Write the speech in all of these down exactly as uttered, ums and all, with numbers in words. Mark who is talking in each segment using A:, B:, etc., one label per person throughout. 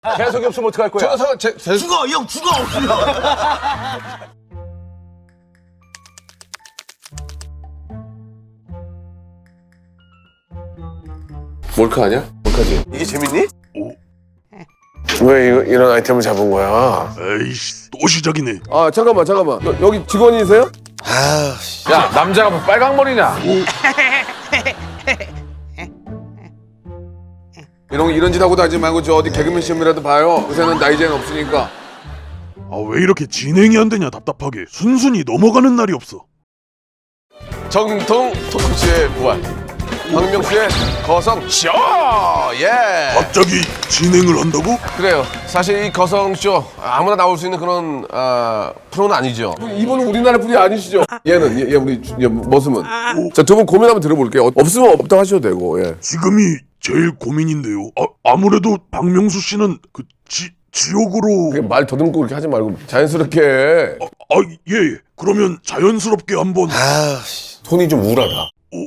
A: 재석이 없으면 어떡할 거야?
B: 저, 제, 제...
C: 죽어 형 죽어 없으면.
B: 몰카 아니야? 몰카지?
A: 이게 재밌니?
B: 왜 이거, 이런 아이템을 잡은 거야?
D: 에이씨 또 시작이네.
B: 아 잠깐만 잠깐만 여, 여기 직원이세요?
A: 아, 야 남자가 뭐 빨강머리냐?
B: 이런 이런 짓 하고 다니지 말고 저 어디 개그맨 시험이라도 봐요. 요새는 나이 제한 없으니까.
D: 아 왜 이렇게 진행이 안 되냐 답답하게. 순순히 넘어가는 날이 없어.
B: 정통 토크쇼의 부활. 박명수의 거성쇼! 예!
D: 갑자기 진행을 한다고?
B: 그래요. 사실 이 거성쇼 아무나 나올 수 있는 그런 아, 프로는 아니죠. 이분은 우리나라 분이 아니시죠? 얘는 얘, 얘 우리 얘, 머슴은. 자, 두 분 고민 한번 들어볼게요. 어, 없으면 없다고 하셔도 되고. 예.
D: 지금이 제일 고민인데요. 아, 아무래도 박명수 씨는 그 지, 지옥으로.
B: 그게 말 더듬고 그렇게 하지 말고 자연스럽게 해.
D: 아, 아, 예, 예. 그러면 자연스럽게 한번.
B: 손이 좀 우울하다.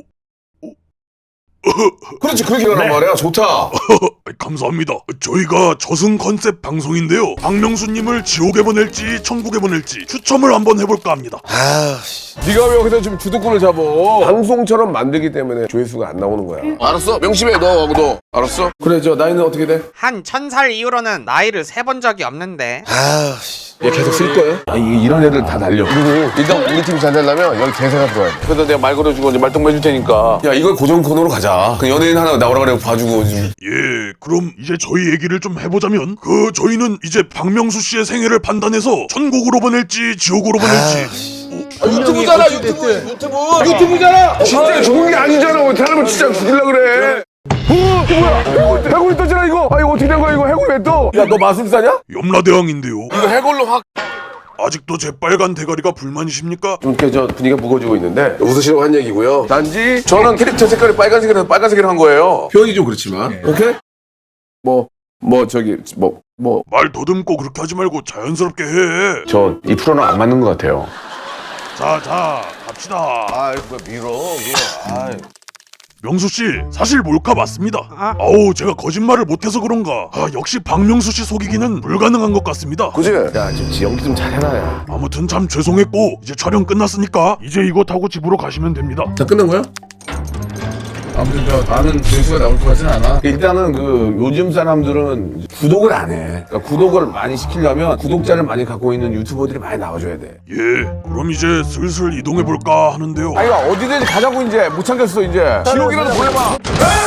B: 그렇지, 그렇게 하란 말이야. 좋다.
D: 감사합니다. 저희가 저승 컨셉 방송인데요. 박명수님을 지옥에 보낼지 천국에 보낼지 추첨을 한번 해볼까 합니다.
B: 네가 왜 여기서 지금 주도권을 잡어? 방송처럼 만들기 때문에 조회수가 안 나오는 거야. 알았어? 명심해, 너, 너. 알았어? 그래, 저 나이는 어떻게 돼?
E: 한 천 살 이후로는 나이를 세본 적이 없는데.
B: 얘 계속 쓸 거예요? 아, 이, 이런 애들 다 날려. 그리고 일단 우리 팀 잘 되려면 여기 대세가 들어야 돼. 그래서 내가 말 걸어주고 이제 말동무 해줄 테니까. 야, 이걸 고정 코너로 가자. 그 연예인 하나 나오라 그래 봐주고.
D: 예, 그럼 이제 저희 얘기를 좀 해보자면 그 저희는 이제 박명수 씨의 생애를 판단해서 천국으로 보낼지 지옥으로 보낼지.
B: 아, 유튜브잖아, 유튜브. 유튜브. 유튜브잖아. 진짜 죽은 게 아니잖아. 왜 사람을 진짜 죽이려고 그래? 어, 이거 뭐야? 해골, 해골이 떴잖아, 이거. 아, 이거 어떻게 된 거야, 이거? 해골 왜 떠? 야, 너 마술사냐?
D: 염라대왕인데요.
B: 이거 해골로 확.
D: 아직도 제 빨간 대가리가 불만이십니까?
B: 좀 이렇게 저 분위기가 무거워지고 있는데 웃으시라고 한 얘기고요. 단지 저는 캐릭터 색깔이 빨간색이라서 빨간색으로 한 거예요. 표현이 좀 그렇지만. 오케이? 뭐, 뭐 저기 뭐, 뭐.
D: 말 더듬고 그렇게 하지 말고 자연스럽게 해.
B: 저 이 프로는 안 맞는 것 같아요.
D: 자, 자, 갑시다.
B: 아이, 뭐 밀어, 밀어. 아이.
D: 명수 씨, 사실 몰카 맞습니다.
E: 아.
D: 아우, 제가 거짓말을 못해서 그런가. 아, 역시 박명수 씨 속이기는 불가능한 것 같습니다.
B: 그지? 야, 좀 지연기 좀 잘해라, 야.
D: 아무튼 참 죄송했고 이제 촬영 끝났으니까 이제 이거 타고 집으로 가시면 됩니다.
B: 다 끝난 거야? 아무튼 저 나는 조회수가 나올 것 같진 않아. 일단은 그 요즘 사람들은 구독을 안 해. 그러니까 구독을 많이 시키려면 구독자를 많이 갖고 있는 유튜버들이 많이 나와줘야 돼.
D: 예, 그럼 이제 슬슬 이동해 볼까 하는데요.
B: 아이가 어디든지 가자고 이제 못 참겠어 이제. 지옥이라도 보내봐.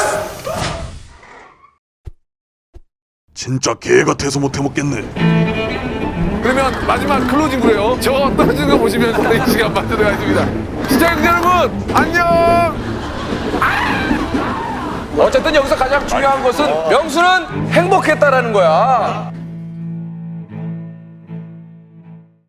D: 진짜 개 같아서 못 해먹겠네.
B: 그러면 마지막 클로징으로 해요. 저 떨어지는 거 보시면 저는 이 시간 만들어 가겠습니다. 시청자 여러분 안녕.
A: 어쨌든 여기서 가장 중요한 것은 명수는 행복했다라는 거야.